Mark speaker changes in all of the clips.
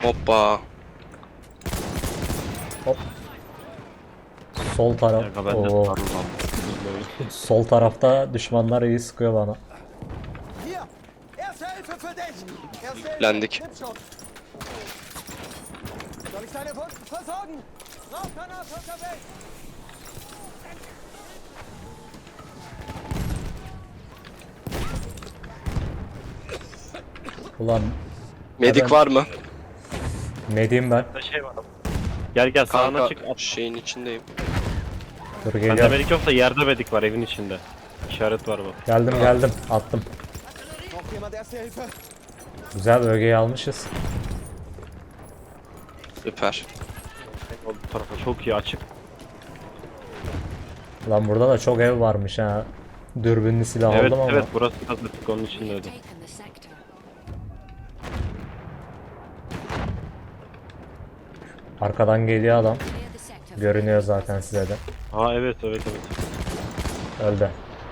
Speaker 1: Hoppa.
Speaker 2: Hop. Sol taraf.
Speaker 3: Kanka ben de
Speaker 2: Oo.
Speaker 3: sarılmam.
Speaker 2: Sol tarafta düşmanlar iyi sıkıyor bana.
Speaker 4: Hier, Erste Hilfe für dich. Erste Hilfe.
Speaker 1: Blendik.
Speaker 4: Nimm schon. Soll ich deine Wunden versorgen? Rauchgranate unterwegs.
Speaker 2: Ulan
Speaker 1: Medik
Speaker 2: Ben-
Speaker 1: var mı?
Speaker 2: ne diyeyim ben?
Speaker 3: Burada şey var. Gel gel sağına
Speaker 1: Kanka
Speaker 3: çık. At.
Speaker 1: şeyin içindeyim.
Speaker 2: Dur
Speaker 3: Bende
Speaker 2: geliyorum.
Speaker 3: medik yok da yerde medik var evin içinde. İşaret var bak.
Speaker 2: Geldim attım.
Speaker 4: Braucht jemand Erste Hilfe?
Speaker 2: Güzel bölgeyi almışız.
Speaker 1: Süper.
Speaker 3: Bu tarafa çok iyi açık.
Speaker 2: Lan burada da çok ev varmış ha. Dürbünlü silah
Speaker 3: Evet
Speaker 2: aldım ama.
Speaker 3: evet burası da açık onun için
Speaker 5: We've
Speaker 3: dedim.
Speaker 5: taken the sector.
Speaker 2: Arkadan geliyor adam.
Speaker 5: Clear the sector.
Speaker 2: Görünüyor zaten size de.
Speaker 3: Ha evet evet evet.
Speaker 2: Öldü.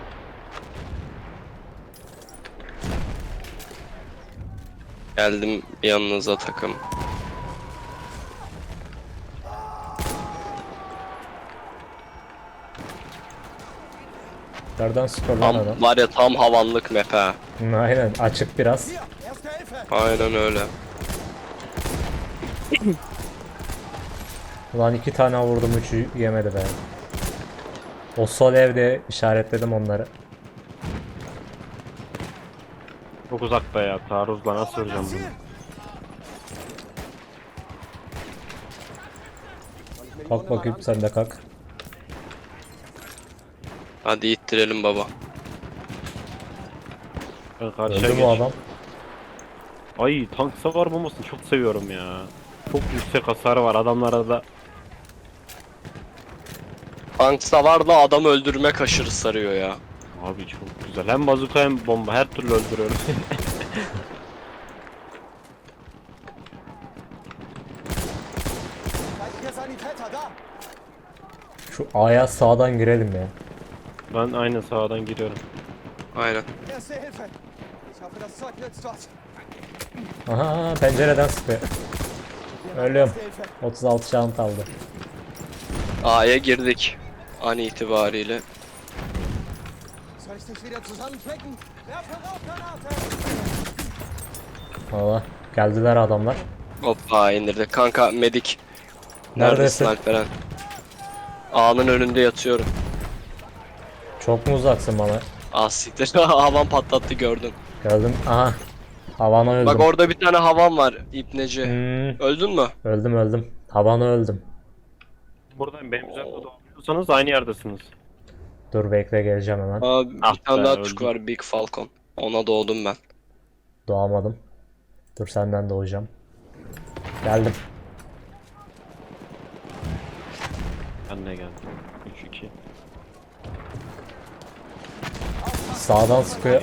Speaker 1: Geldim yanınıza takım.
Speaker 2: Nereden sıkıyor lan adam?
Speaker 1: Tam var ya tam havanlık map ha.
Speaker 2: Aynen açık biraz.
Speaker 4: Hier, Erste Hilfe.
Speaker 1: Aynen öyle.
Speaker 2: Ulan 2 tane vurdum 3'ü yemedi be. O sol evde işaretledim onları.
Speaker 3: Çok uzakta ya. Taarruzla nasıl vuracağım
Speaker 4: Das Ziel.
Speaker 3: bunu?
Speaker 2: Kalk bakayım sen de kalk.
Speaker 1: Hadi ittirelim baba.
Speaker 3: Ben karşıya
Speaker 2: Öldü
Speaker 3: geç.
Speaker 2: bu adam.
Speaker 3: Ay tank savar bombasını çok seviyorum ya. Çok yüksek hasarı var adamlara da.
Speaker 1: Tank savarla adam öldürmek aşırı sarıyor ya.
Speaker 3: Abi çok güzel. Hem bazuka hem bomba her türlü öldürüyorum.
Speaker 4: Feindlicher Sanitäter da.
Speaker 2: Şu A'ya sağdan girelim ya.
Speaker 3: Ben aynı sağdan giriyorum.
Speaker 1: Aynen.
Speaker 4: Erste Hilfe. Ich hoffe, das Zeug nützt was.
Speaker 2: Aha pencereden sıkıyor. Ölüyorum.
Speaker 4: Erste Hilfe.
Speaker 2: 36 can kaldı.
Speaker 1: A'ya girdik. An itibariyle.
Speaker 4: Soll ich dich wieder zusammenflicken? Werfe Rauchgranate.
Speaker 2: Valla geldiler adamlar.
Speaker 1: Hoppa indirdik. Kanka medik. Neredesin
Speaker 2: Neredesin?
Speaker 1: Alperen? A'nın önünde yatıyorum.
Speaker 2: Çok mu uzaksın bana?
Speaker 1: Ah siktir. Havan patlattı gördün.
Speaker 2: Gördüm. Aha. Havana öldüm.
Speaker 1: Bak orada bir tane havan var İpneci. Öldün mü?
Speaker 2: Öldüm. Havana öldüm.
Speaker 3: Buradan benim üzerinde doğabiliyorsanız aynı yerdesiniz.
Speaker 2: Dur bekle geleceğim hemen.
Speaker 1: Abi
Speaker 3: Ah
Speaker 1: bir tane
Speaker 3: be,
Speaker 1: daha
Speaker 3: öldüm.
Speaker 1: Türk var Big Falcon. Ona doğdum ben.
Speaker 2: Doğamadım. Dur senden doğacağım. Geldim.
Speaker 3: Ben de geldim. 3-2.
Speaker 2: Sağdan sıkıyor.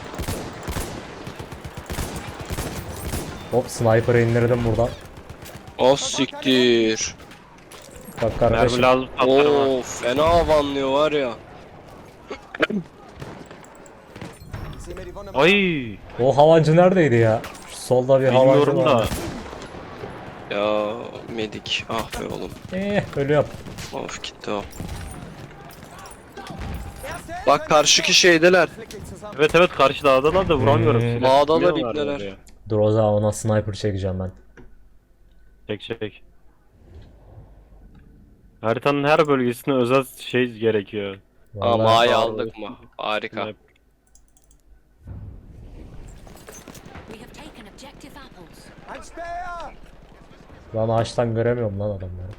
Speaker 2: Hop sniper'ı indirdim buradan.
Speaker 1: O siktir.
Speaker 2: Bak
Speaker 3: Mermi
Speaker 2: kardeşim.
Speaker 3: lazım patlarım ha.
Speaker 1: Oo fena havanlıyor var ya.
Speaker 4: Ich sehe mir die Wunde mal an.
Speaker 3: Ay
Speaker 2: O havancı neredeydi ya? Şu solda bir havancı
Speaker 3: bilmiyorum da.
Speaker 2: var.
Speaker 1: Ya medik. Ah be oğlum.
Speaker 2: Ölüyorum.
Speaker 1: Of gitti o.
Speaker 4: Erste Hilfe.
Speaker 1: Bak karşıki şeydeler.
Speaker 4: Flick dich zusammen.
Speaker 3: Evet evet karşı dağdalar da vuramıyorum.
Speaker 2: Hmm.
Speaker 3: Silah
Speaker 1: Dağdalar,
Speaker 3: sıkmıyorlar
Speaker 1: ipneler.
Speaker 3: oraya.
Speaker 2: Dur o zaman ona sniper çekeceğim ben.
Speaker 3: Çek. Haritanın her bölgesine özel şey gerekiyor.
Speaker 1: Ama
Speaker 2: Vallahi
Speaker 1: A'yı aldık mı? Harika.
Speaker 3: Sniper.
Speaker 5: We have taken objective apples.
Speaker 4: Ein Speer.
Speaker 2: lan ağaçtan göremiyorum lan adamları.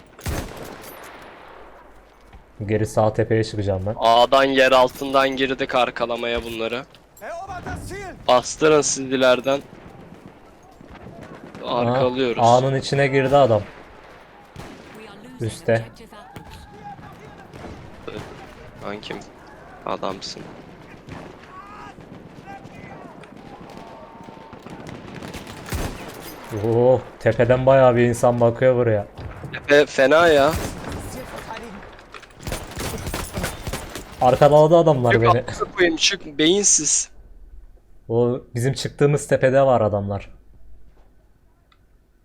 Speaker 2: Geri sağ tepeye çıkacağım ben.
Speaker 1: A'dan yer altından girdik arkalamaya bunları.
Speaker 4: Erobert das Ziel.
Speaker 1: Bastırın siz ileriden. Arkalıyoruz.
Speaker 2: A'nın içine girdi adam.
Speaker 5: We are losing
Speaker 2: Üste.
Speaker 5: objective apples.
Speaker 1: Kankim adamsın.
Speaker 2: Oo, tepeden bayağı bir insan bakıyor buraya.
Speaker 1: Fena ya.
Speaker 4: Das Ziel verteidigen.
Speaker 2: Arkaladı adamlar
Speaker 1: Çık
Speaker 2: beni.
Speaker 1: amına koyayım çık beyinsiz.
Speaker 2: O bizim çıktığımız tepede var adamlar.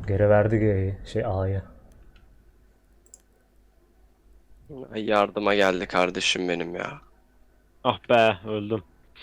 Speaker 2: Geri verdi G'yi. Şey A'yı.
Speaker 1: Ay, yardıma geldi kardeşim benim ya.
Speaker 3: Ah be, öldüm.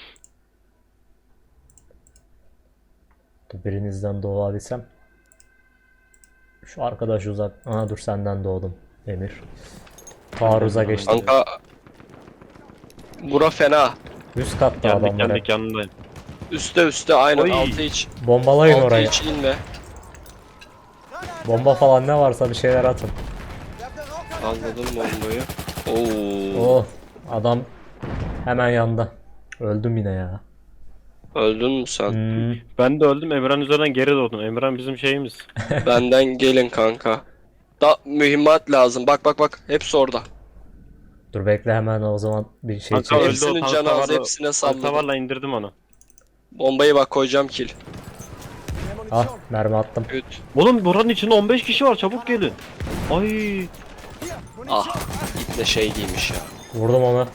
Speaker 2: Dur, birinizden doğabilsem. Şu arkadaş uzak. Aha dur senden doğdum Emir. Taarruza geçtim.
Speaker 1: Kanka bura fena.
Speaker 2: Üst katta
Speaker 3: Geldik
Speaker 2: adamlar
Speaker 3: geldik
Speaker 2: hep.
Speaker 3: yanındayım.
Speaker 1: Üste aynen
Speaker 3: Oy.
Speaker 1: altı hiç.
Speaker 2: Bombalayın
Speaker 1: Altı
Speaker 2: orayı.
Speaker 1: hiç inme.
Speaker 2: Bomba falan ne varsa bir şeyler atın.
Speaker 1: Anladım bombayı. Oo.
Speaker 2: Oh adam hemen yanında. Öldüm yine ya.
Speaker 1: Öldün mü sen?
Speaker 2: Hmm,
Speaker 3: Ben de öldüm. Emran üzerinden geri doğdum. Emran bizim şeyimiz.
Speaker 1: Benden gelin kanka. Da mühimmat lazım. Bak. Hepsi orada.
Speaker 2: dur bekle hemen o zaman bir şey
Speaker 3: Kanka
Speaker 2: çekeyim.
Speaker 3: öldü o
Speaker 1: Hepsinin
Speaker 3: tank
Speaker 1: canı az,
Speaker 3: savarla-
Speaker 1: hepsine
Speaker 3: tank
Speaker 1: salladım.
Speaker 3: savarla indirdim onu.
Speaker 1: Bombayı bak koyacağım kill.
Speaker 2: Ah mermi attım.
Speaker 1: Üt.
Speaker 3: Oğlum buranın içinde 15 kişi var, çabuk gelin. Ay
Speaker 1: Ah. İple şey giymiş ya.
Speaker 2: Vurdum onu.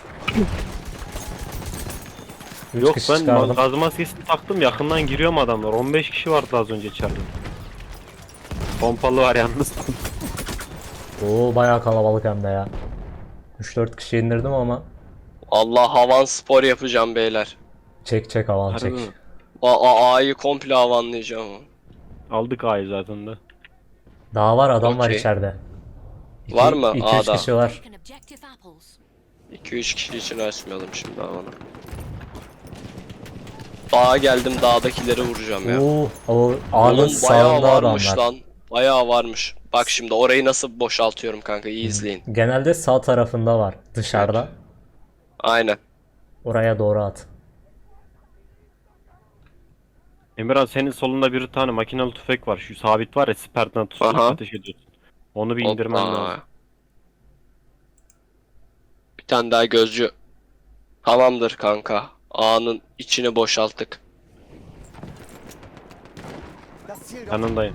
Speaker 2: 3
Speaker 3: yok,
Speaker 2: kişi
Speaker 3: ben
Speaker 2: çıkardım.
Speaker 3: gaz maskesini taktım, yakından giriyorum adamlar. 15 kişi vardı az önce içeride. Pompalı var yalnız.
Speaker 2: Oo bayağı kalabalık hem de ya. 3-4 kişi indirdim ama
Speaker 1: Allah havan spor yapacağım beyler.
Speaker 2: çek avan
Speaker 3: Harbi
Speaker 2: çek.
Speaker 3: mi?
Speaker 1: A'yı komple havanlayacağım.
Speaker 3: Aldık A'yı zaten de.
Speaker 2: Daha var adam var
Speaker 1: Okey.
Speaker 2: içeride.
Speaker 1: Var mı
Speaker 2: 2-3
Speaker 1: A'da?
Speaker 2: kişi var.
Speaker 5: Taken objective apples.
Speaker 1: 2-3 kişi için açmayalım şimdi havanı. Dağa geldim, dağdakileri vuracağım ya.
Speaker 2: O A'nın
Speaker 1: Oğlum bayağı
Speaker 2: sağında
Speaker 1: varmış
Speaker 2: adamlar.
Speaker 1: lan. Bayağı varmış. Bak şimdi orayı nasıl boşaltıyorum kanka, iyi izleyin.
Speaker 2: Genelde sağ tarafında var dışarıda.
Speaker 1: Aynen.
Speaker 2: Oraya doğru at.
Speaker 3: Emirhan, senin solunda bir tane makinalı tüfek var. Şu sabit var ya, siperden tutup
Speaker 1: Aha.
Speaker 3: ateş ediyorsun. Onu bir indirmen
Speaker 1: Hoppa.
Speaker 3: lazım.
Speaker 1: Bir tane daha gözcü. Tamamdır kanka. A'nın içini boşalttık.
Speaker 4: Das Ziel dort.
Speaker 3: Yanındayım.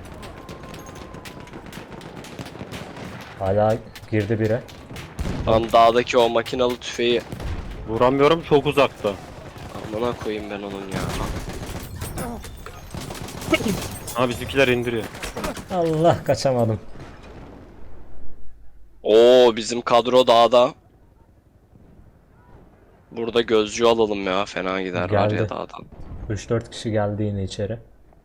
Speaker 2: Hala girdi biri.
Speaker 1: Lan dağdaki o makinalı tüfeği
Speaker 3: Vuramıyorum, çok uzakta.
Speaker 1: amına koyayım ben onun ya.
Speaker 3: Ha, bizimkiler indiriyor.
Speaker 2: Allah kaçamadım.
Speaker 1: Oo bizim kadro dağda. Burada gözcü alalım ya, fena gider var
Speaker 2: Geldi.
Speaker 1: ya dağdan.
Speaker 2: 3-4 kişi geldi yine içeri.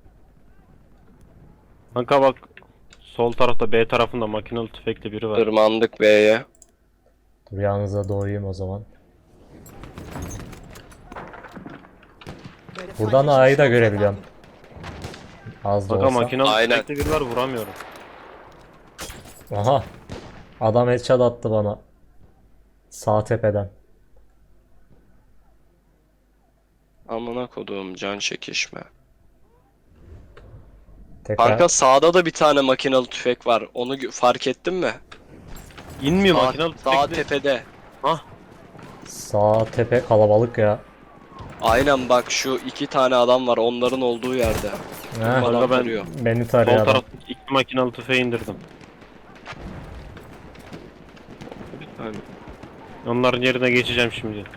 Speaker 3: Kanka bak, sol tarafta B tarafında makinalı tüfekli biri var.
Speaker 1: Tırmandık B'ye.
Speaker 2: Dur yanınıza doğayım o zaman.
Speaker 4: Werde
Speaker 2: Buradan
Speaker 4: feindlichen
Speaker 2: A'yı da
Speaker 4: Sturm
Speaker 2: görebiliyorum.
Speaker 4: verraten.
Speaker 2: Az da
Speaker 3: Kanka
Speaker 2: olsa.
Speaker 3: makinalı
Speaker 1: Aynen.
Speaker 3: tüfekli biri var, vuramıyorum.
Speaker 2: Aha. Adam headshot attı bana. Sağ tepeden.
Speaker 1: Amına koduğum can çekişme.
Speaker 2: Tekrar
Speaker 1: Kanka sağda da bir tane makinalı tüfek var. Onu fark ettin mi?
Speaker 3: İnmiyor
Speaker 1: Sağ,
Speaker 3: makinalı
Speaker 1: sağ
Speaker 3: tüfekli.
Speaker 1: tepede.
Speaker 2: sağ tepe kalabalık ya.
Speaker 1: Aynen bak, şu iki tane adam var onların olduğu yerde.
Speaker 2: Heh,
Speaker 1: Adam
Speaker 3: Kanka ben
Speaker 1: duruyor.
Speaker 2: beni
Speaker 3: sol
Speaker 2: tarıyor adam.
Speaker 3: taraftaki iki makinalı tüfeği indirdim.
Speaker 1: Aynen.
Speaker 3: Onların yerine geçeceğim şimdi.
Speaker 5: We are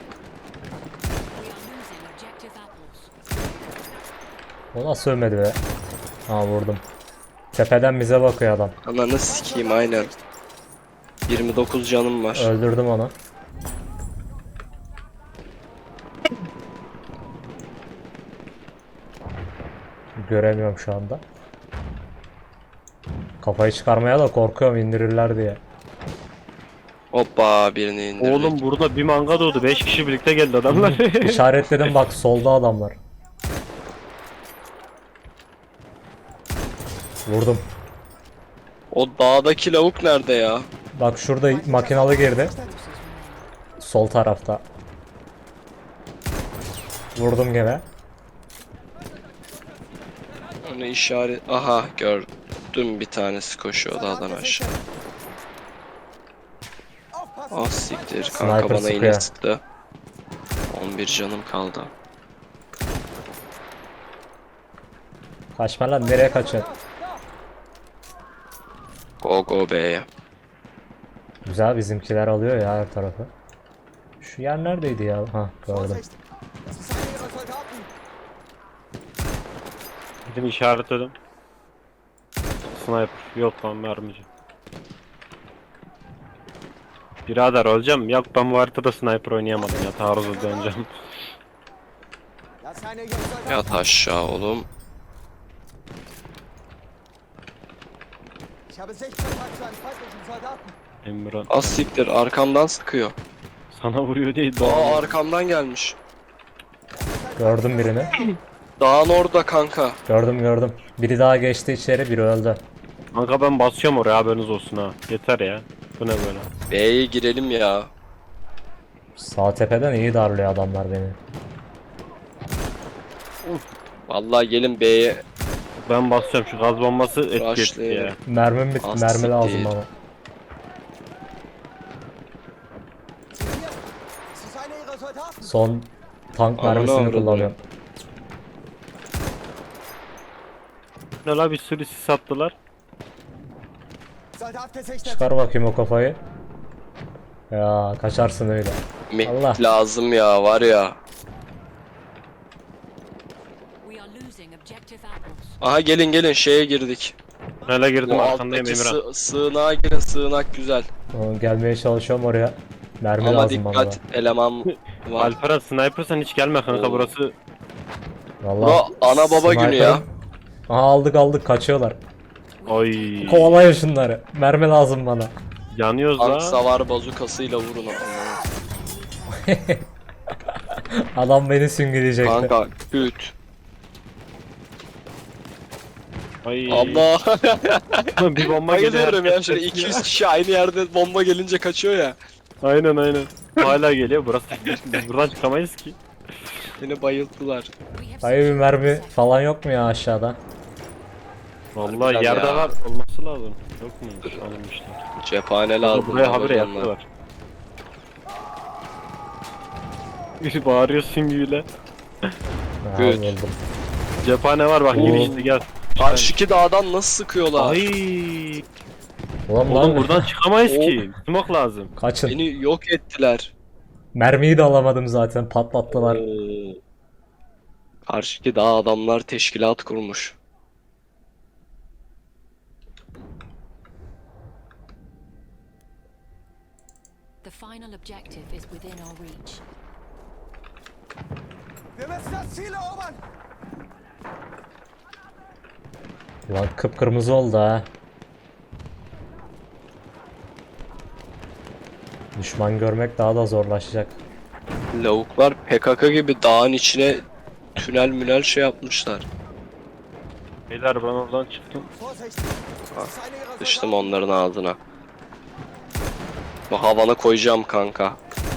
Speaker 5: losing objective apples.
Speaker 2: O nasıl ölmedi be? Ha vurdum. Tepeden bize bakıyor adam.
Speaker 1: Ananı sikeyim aynen. 29 canım var.
Speaker 2: Öldürdüm onu. Göremiyorum şu anda. Kafayı çıkarmaya da korkuyorum indirirler diye.
Speaker 1: Hoppa birini indirdik.
Speaker 3: Oğlum burada bir manga doğdu. 5 kişi birlikte geldi adamlar.
Speaker 2: İşaretledim bak solda adamlar. Vurdum.
Speaker 1: O dağdaki lavuk nerede ya?
Speaker 2: Bak şurada makinalı girdi. Sol tarafta. Vurdum gene.
Speaker 1: Onu işaret... Aha gördüm, bir tanesi koşuyor dağdan aşağı.
Speaker 4: Aufpassen!
Speaker 1: Ah siktir
Speaker 2: Sniper
Speaker 1: kanka, bana
Speaker 2: sıkıyor.
Speaker 1: yine sıktı. 11 canım kaldı.
Speaker 2: Kaçma lan nereye kaçıyorsun?
Speaker 1: Go go B'ye.
Speaker 2: Güzel bizimkiler alıyor ya her tarafı. Şu yer neredeydi ya? Ha gördüm.
Speaker 4: Vorsicht! Das ist einer ihrer Soldaten!
Speaker 3: Gidin işaretledim. Sniper. Yok lan mermici. Birader öleceğim. Yok ben bu haritada sniper oynayamadım ya. Taarruza döneceğim.
Speaker 4: Das eine jetzt Soldaten.
Speaker 1: Yat aşağı oğlum.
Speaker 4: Ich habe Sichtkontakt zu einem feindlichen Soldaten.
Speaker 3: Emran.
Speaker 1: Az siktir arkamdan sıkıyor.
Speaker 3: Sana vuruyor değil.
Speaker 1: Aa arkamdan gelmiş.
Speaker 2: Gördüm birini.
Speaker 1: Dağın orada kanka.
Speaker 2: Gördüm. Biri daha geçti içeri, biri öldü.
Speaker 3: Kanka ben basıyorum oraya haberiniz olsun ha. Yeter ya. Bu ne böyle?
Speaker 1: B'ye girelim ya.
Speaker 2: Sağ tepeden iyi darlıyor adamlar beni.
Speaker 1: Vallahi gelin B'ye.
Speaker 3: Ben basıyorum şu gaz bombası etki etti ya.
Speaker 1: Rushlayalım.
Speaker 2: Mermim bitti.
Speaker 1: Az
Speaker 2: Mermi
Speaker 1: siktir.
Speaker 2: lazım bana.
Speaker 4: Sie hier. Es ist einer ihrer Soldaten.
Speaker 2: Son tank
Speaker 1: Ananı
Speaker 2: mermisini
Speaker 1: avradım.
Speaker 2: kullanıyorum.
Speaker 3: Ne la bir sürü sis attılar.
Speaker 4: Soldat gesichtet.
Speaker 2: Çıkar bakayım o kafayı. Ya kaçarsın öyle. Allah.
Speaker 1: Mehmet lazım ya var ya.
Speaker 5: We are losing objective apples.
Speaker 1: Aha gelin şeye girdik.
Speaker 3: Hele girdim
Speaker 1: Bu
Speaker 3: arkandayım
Speaker 1: alttaki
Speaker 3: Emirhan.
Speaker 1: sığınağa girin, sığınak güzel.
Speaker 2: Gelmeye çalışıyorum oraya. Mermi
Speaker 1: Ama
Speaker 2: lazım bana.
Speaker 1: dikkat eleman var.
Speaker 3: Alperen sniper sen hiç gelme kanka
Speaker 1: Oo.
Speaker 3: burası.
Speaker 2: Vallahi
Speaker 1: Bu ana baba günü ya.
Speaker 2: sniper'ım. Aha aldık kaçıyorlar.
Speaker 3: Oy.
Speaker 2: Kovalayın şunları. Mermi lazım bana.
Speaker 3: Yanıyoruz
Speaker 1: Tank
Speaker 3: la.
Speaker 1: savar bazukasıyla vurun.
Speaker 2: Adam beni süngüleyecekti.
Speaker 1: Kanka küt.
Speaker 3: Ay.
Speaker 1: Allah.
Speaker 3: Bir bomba geliyor.
Speaker 1: Bayılıyorum ya
Speaker 3: herkes
Speaker 1: şöyle
Speaker 3: kaçıyor.
Speaker 1: 200 kişi aynı yerde bomba gelince kaçıyor ya.
Speaker 3: Aynen. Hala geliyor burası. Biz buradan çıkamayız ki.
Speaker 1: Beni bayılttılar.
Speaker 5: We have
Speaker 2: Hayır bir
Speaker 5: secured
Speaker 2: mermi
Speaker 5: the sector.
Speaker 2: falan yok mu ya aşağıda?
Speaker 3: Vallahi
Speaker 1: Harbiden
Speaker 3: yerde
Speaker 1: ya.
Speaker 3: var olması lazım. Yok mu? Alınmışlar.
Speaker 1: Cephane lazım.
Speaker 3: Buraya habire
Speaker 1: Ramazanlar.
Speaker 3: yaptılar. Biri bağırıyor süngüyle.
Speaker 2: Ha,
Speaker 1: Good.
Speaker 2: buldum.
Speaker 3: Cephane var bak
Speaker 2: Oo.
Speaker 3: gir işte gel.
Speaker 1: Karşıki dağdan nasıl sıkıyorlar?
Speaker 3: Ay.
Speaker 2: Ulan
Speaker 3: Oğlum
Speaker 2: lan
Speaker 3: buradan çıkamayız
Speaker 1: Oo.
Speaker 3: ki. Smoke lazım.
Speaker 2: kaçın.
Speaker 1: Beni yok ettiler.
Speaker 2: Mermiyi de alamadım zaten patlattılar.
Speaker 1: Oo. Karşıki dağ adamlar teşkilat kurmuş.
Speaker 5: The final objective is within our reach.
Speaker 4: Wir müssen das Ziel erobern.
Speaker 2: Ulan kıpkırmızı oldu ha. Düşman görmek daha da zorlaşacak.
Speaker 1: Lavuklar PKK gibi dağın içine tünel münel şey yapmışlar.
Speaker 3: Beyler ben oradan çıktım.
Speaker 4: Vorsicht. Es ist einer ihrer
Speaker 1: Sıçtım
Speaker 4: Soldaten.
Speaker 1: onların ağzına. Bu havana koyacağım kanka.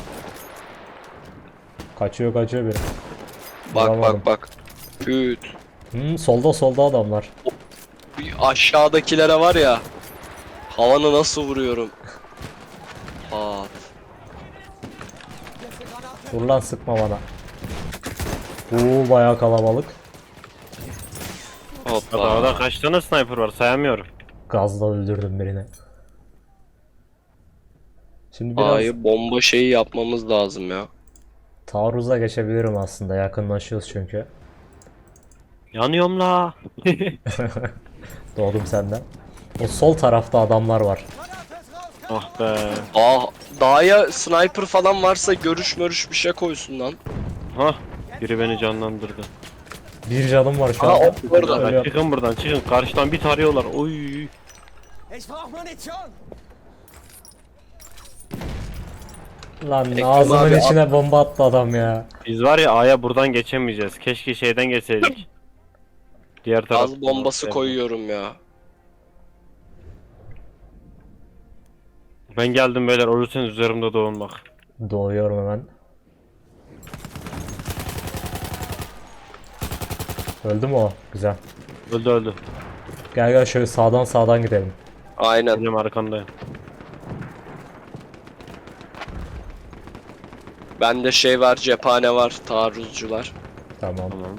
Speaker 2: Kaçıyor biri.
Speaker 1: Bak
Speaker 2: Vuramadım.
Speaker 1: bak. Küt.
Speaker 2: Solda adamlar.
Speaker 1: Bir aşağıdakilere var ya. Havanı nasıl vuruyorum. Pat.
Speaker 4: Letzte Granate.
Speaker 2: Dur lan sıkma bana. Bayağı kalabalık.
Speaker 1: Hoppa.
Speaker 3: Dağda kaç tane sniper var sayamıyorum.
Speaker 2: Gazla öldürdüm birini. Şimdi biraz
Speaker 1: A'yı bomba şeyi yapmamız lazım ya.
Speaker 2: taarruza geçebilirim aslında. Yakınlaşıyoruz çünkü.
Speaker 3: Yanıyorum la.
Speaker 2: Doğdum senden. O sol tarafta adamlar var.
Speaker 4: Granate ist raus.
Speaker 3: Ah be.
Speaker 1: Dağa sniper falan varsa görüş bir şey koysun lan.
Speaker 3: Hah. Biri beni canlandırdı.
Speaker 2: Bir canım var şu
Speaker 1: Aa,
Speaker 2: anda.
Speaker 1: orada.
Speaker 2: Ölüyorum.
Speaker 3: Çıkın buradan çıkın. Karşıdan bir tarıyorlar. Oy.
Speaker 4: Ich brauche Munition.
Speaker 2: Lan
Speaker 1: Ekrem
Speaker 2: ağzımın
Speaker 1: abi,
Speaker 2: içine bomba attı adam ya.
Speaker 3: Biz var ya A'ya buradan geçemeyeceğiz. Keşke şeyden geçseydik. Diğer taraf.
Speaker 1: Gaz bombası koyuyorum ya.
Speaker 3: Ben geldim beyler. Ölürseniz üzerimde doğun bak.
Speaker 2: Doğuyorum hemen. Öldü mü o? Güzel.
Speaker 3: Öldü.
Speaker 2: Gel şöyle sağdan gidelim.
Speaker 1: Aynen.
Speaker 3: Benim arkandayım.
Speaker 1: Bende şey var, cephane var, taarruzcular.
Speaker 2: Tamam.
Speaker 3: Tamam.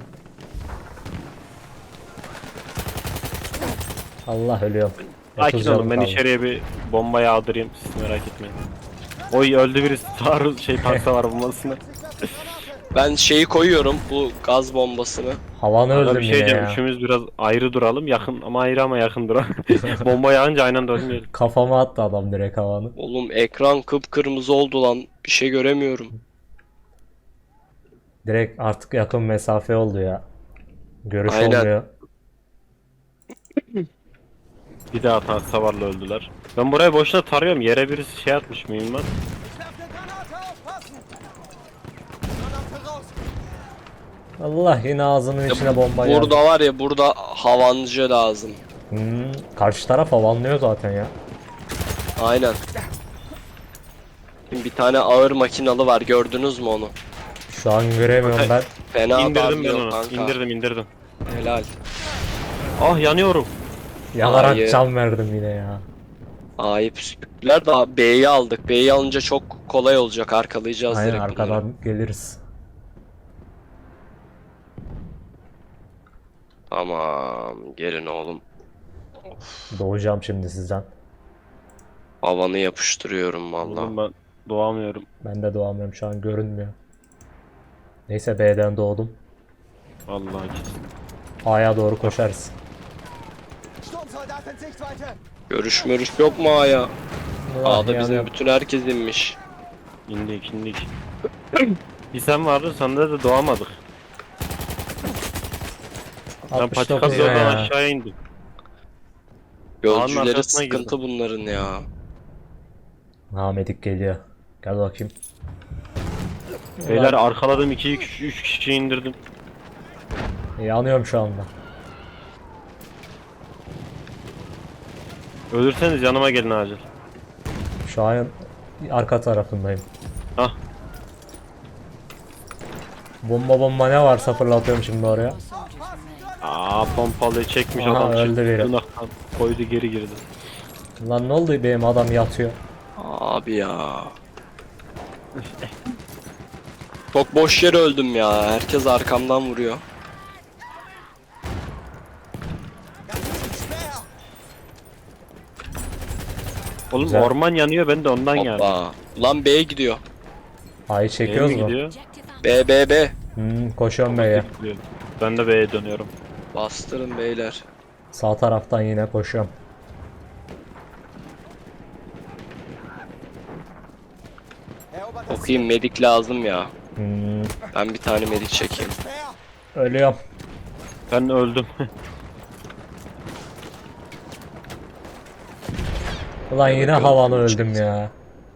Speaker 2: Allah ölüyorum.
Speaker 3: Sakin
Speaker 2: 30
Speaker 3: olun
Speaker 2: canım
Speaker 3: ben
Speaker 2: kaldı.
Speaker 3: içeriye bir bomba yağdırayım. Siz merak etmeyin. Oy öldü birisi. Taarruz tank savar bombasına.
Speaker 4: Ich werfe Granate.
Speaker 1: Ben şeyi koyuyorum, bu gaz bombasını.
Speaker 2: Havanı
Speaker 3: Aga
Speaker 2: öldüm
Speaker 3: bir şey
Speaker 2: yine
Speaker 3: diyeceğim.
Speaker 2: ya.
Speaker 3: Üçümüz biraz ayrı duralım. Yakın ama ayrı ama yakın duralım. Bomba yağınca aynı anda ölmeyelim.
Speaker 2: Kafama attı adam direkt havanı.
Speaker 1: Oğlum ekran kıpkırmızı oldu lan. Bir şey göremiyorum.
Speaker 2: Direkt artık yakın mesafe oldu ya. Görüş
Speaker 1: Aynen.
Speaker 2: olmuyor.
Speaker 3: Bir daha savarla öldüler. Ben burayı boşuna tarıyorum. Yere birisi şey atmış mıyım ben?
Speaker 4: Ich werfe eine Granate, aufpassen! Granate raus!
Speaker 2: Allah yine ağzının içine bomba geldi.
Speaker 1: Burada var ya, burada havancı lazım.
Speaker 2: Karşı taraf havanlıyor zaten ya.
Speaker 1: Aynen. Şimdi bir tane ağır makinalı var, gördünüz mü onu?
Speaker 2: Şu an göremiyorum ben.
Speaker 1: Fena
Speaker 3: İndirdim ben
Speaker 1: darlıyor
Speaker 3: onu.
Speaker 1: kanka.
Speaker 3: İndirdim.
Speaker 1: Helal.
Speaker 3: Ah yanıyorum.
Speaker 2: Yanarak
Speaker 1: Hayır.
Speaker 2: can verdim yine ya.
Speaker 1: A'yı püskürttüler de B'yi aldık. B'yi alınca çok kolay olacak, arkalayacağız
Speaker 2: Aynen
Speaker 1: direkt
Speaker 2: arkadan
Speaker 1: bunları.
Speaker 2: geliriz.
Speaker 1: Tamam, gelin oğlum.
Speaker 2: Doğacağım şimdi sizden.
Speaker 1: Havanı yapıştırıyorum valla.
Speaker 3: Oğlum ben doğamıyorum.
Speaker 2: Ben de doğamıyorum şu an görünmüyor. Neyse B'den doğdum.
Speaker 3: Vallahi kesin.
Speaker 2: A'ya doğru koşarız.
Speaker 4: Sturmsoldat in Sichtweite!
Speaker 1: Görüş yok mu A'ya?
Speaker 2: Allah
Speaker 1: A'da bizim
Speaker 2: yanıyor.
Speaker 1: bütün herkes inmiş.
Speaker 3: İndik. Bir sen vardın, sende de doğamadık. Ben
Speaker 2: 69
Speaker 3: patika
Speaker 2: yine
Speaker 3: zordan
Speaker 2: ya.
Speaker 3: aşağıya indim.
Speaker 1: Gözcüleri
Speaker 3: arkasına
Speaker 1: sıkıntı bunların ya.
Speaker 2: Ahmet'ik geliyor. Gel bakayım.
Speaker 3: Beyler arkaladım 2-3 kişi indirdim.
Speaker 2: Yanıyorum şu anda.
Speaker 3: Ölürseniz yanıma gelin acil.
Speaker 2: Şu an arka tarafındayım.
Speaker 3: Hah.
Speaker 2: Bomba ne varsa fırlatıyorum şimdi oraya.
Speaker 5: More soldiers remain.
Speaker 3: Pompalıyı çekmiş
Speaker 2: Aha,
Speaker 3: adam.
Speaker 2: öldü
Speaker 3: çıktı,
Speaker 2: biri.
Speaker 3: tırnaktan koydu geri girdi.
Speaker 2: Lan ne oldu benim adam yatıyor.
Speaker 1: Abi ya. Çok boş yere öldüm ya. Herkes arkamdan vuruyor.
Speaker 4: Das ist schwer!
Speaker 3: Oğlum
Speaker 2: Güzel.
Speaker 3: orman yanıyor, ben de ondan geldim.
Speaker 1: Hoppa. Ulan B'ye gidiyor.
Speaker 2: A'yı
Speaker 3: B'ye
Speaker 2: çekiyoruz
Speaker 3: mi
Speaker 2: mu?
Speaker 3: gidiyor?
Speaker 5: Objective
Speaker 1: B.
Speaker 2: Koşuyorum B'ye.
Speaker 3: Gidiyor. Ben de B'ye dönüyorum.
Speaker 1: Bastırın beyler.
Speaker 2: Sağ taraftan yine koşuyorum.
Speaker 4: Erobert das
Speaker 1: Okuyayım, medik lazım ya.
Speaker 2: Hmm,
Speaker 1: Ben bir tane medik çekeyim.
Speaker 4: Speer!
Speaker 2: ölüyorum.
Speaker 3: Ben öldüm.
Speaker 2: Ulan yine
Speaker 1: Evet,
Speaker 2: havanı
Speaker 1: öldüm.
Speaker 2: öldüm ya.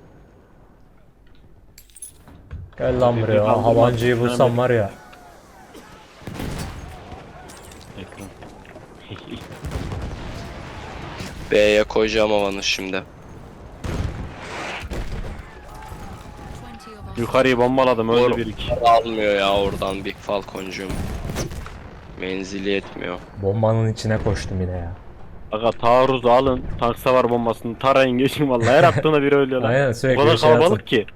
Speaker 2: Gel lan
Speaker 3: Bir
Speaker 2: buraya.
Speaker 3: kaldırma.
Speaker 2: Havancıyı bulsam var ya.
Speaker 3: Ekran.
Speaker 1: B'ye koyacağım havanı şimdi.
Speaker 5: 20 of our
Speaker 3: Yukarıyı bombaladım, öldü
Speaker 1: Doğru.
Speaker 3: bir iki.
Speaker 1: Almıyor ya oradan Big Falcon'cum. Menzili yetmiyor.
Speaker 2: Bombanın içine koştum yine ya.
Speaker 3: Aga taarruz alın, tank savar bombasını tarayın geçin vallahi, her attığına biri ölüyor lan.
Speaker 2: Aynen,
Speaker 3: O
Speaker 2: sürekli
Speaker 3: kadar
Speaker 2: bir şey
Speaker 3: kalabalık
Speaker 2: atın.
Speaker 3: ki.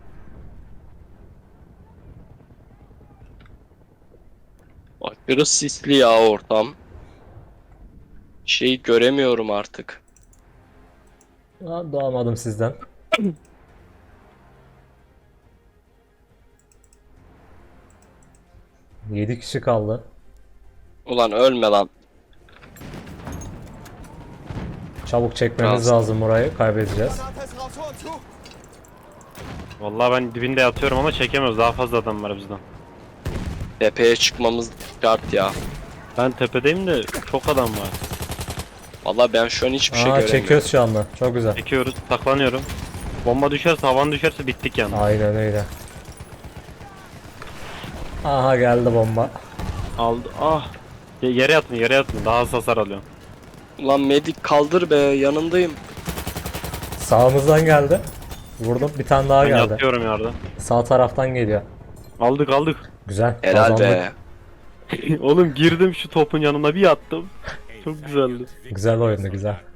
Speaker 1: Aşırı sisli ya ortam. Şey göremiyorum artık.
Speaker 2: Lan doğamadım sizden. Yedi kişi kaldı.
Speaker 1: Ulan ölme lan.
Speaker 2: Çabuk çekmemiz
Speaker 1: Biraz.
Speaker 2: lazım burayı. Kaybedeceğiz.
Speaker 4: Granate ist raus, Hohen zu!
Speaker 3: Vallahi ben dibinde yatıyorum ama çekemiyoruz, daha fazla adam var bizden.
Speaker 1: Tepeye çıkmamız şart ya.
Speaker 3: Ben tepedeyim de çok adam var.
Speaker 1: Vallahi ben şu an hiçbir şey
Speaker 2: Aa,
Speaker 1: göremiyorum.
Speaker 2: çekiyoruz şu anda. Çok güzel.
Speaker 3: Çekiyoruz, saklanıyorum. Bomba düşerse, havan düşerse bittik yani.
Speaker 2: Aynen öyle. Aha geldi bomba.
Speaker 3: Aldı. Ah. Yere yatın, daha az hasar alıyorum.
Speaker 1: Ulan medik kaldır be, yanındayım.
Speaker 2: Sağımızdan geldi. Vurdum. Bir tane daha
Speaker 3: Ben
Speaker 2: geldi.
Speaker 3: yatıyorum yerde.
Speaker 2: Sağ taraftan geliyor.
Speaker 3: Aldık.
Speaker 2: Güzel.
Speaker 1: Helal
Speaker 2: kazandık.
Speaker 1: be.
Speaker 3: Oğlum girdim şu topun yanına bir yattım. Çok güzeldi.
Speaker 2: Güzel oyundu güzel.